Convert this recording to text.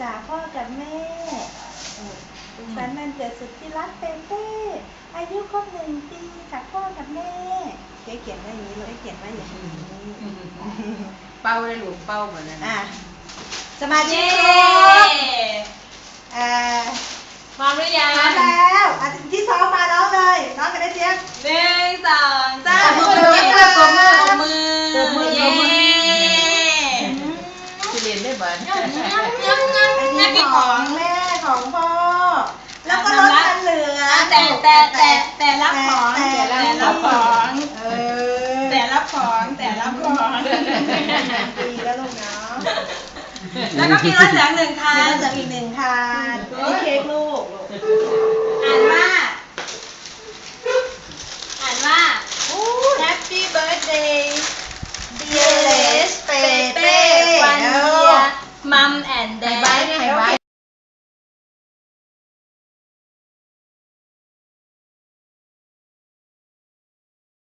จากพ่อกับแม่สุขสันต์วันเกิดสุดที่รักเป้เป้อายุครบ1 ปีจากพ่อกับแม่เขียนไว้อย่างนี้เลยเขียนไว้อย่างนี้เป้าได้หลุมเป้าเหมือนนั้นสมาชิกครบพร้อมหรือยังพร้อมแล้วที่ซ้อมมาน้องเลยน้องกันได้เจี๊ยบ 1 2 3 มือเย้ที่เรียนได้บ้างอันนี้ของแม่ของพ่อแล้วก็รถคันเหลือแต่รับของปีแล้วลูกเนาะแล้วก็มีรถเหลือง1 คันจะอีก1 คันนี่เค้กลูกอ่านว่า Happy birthday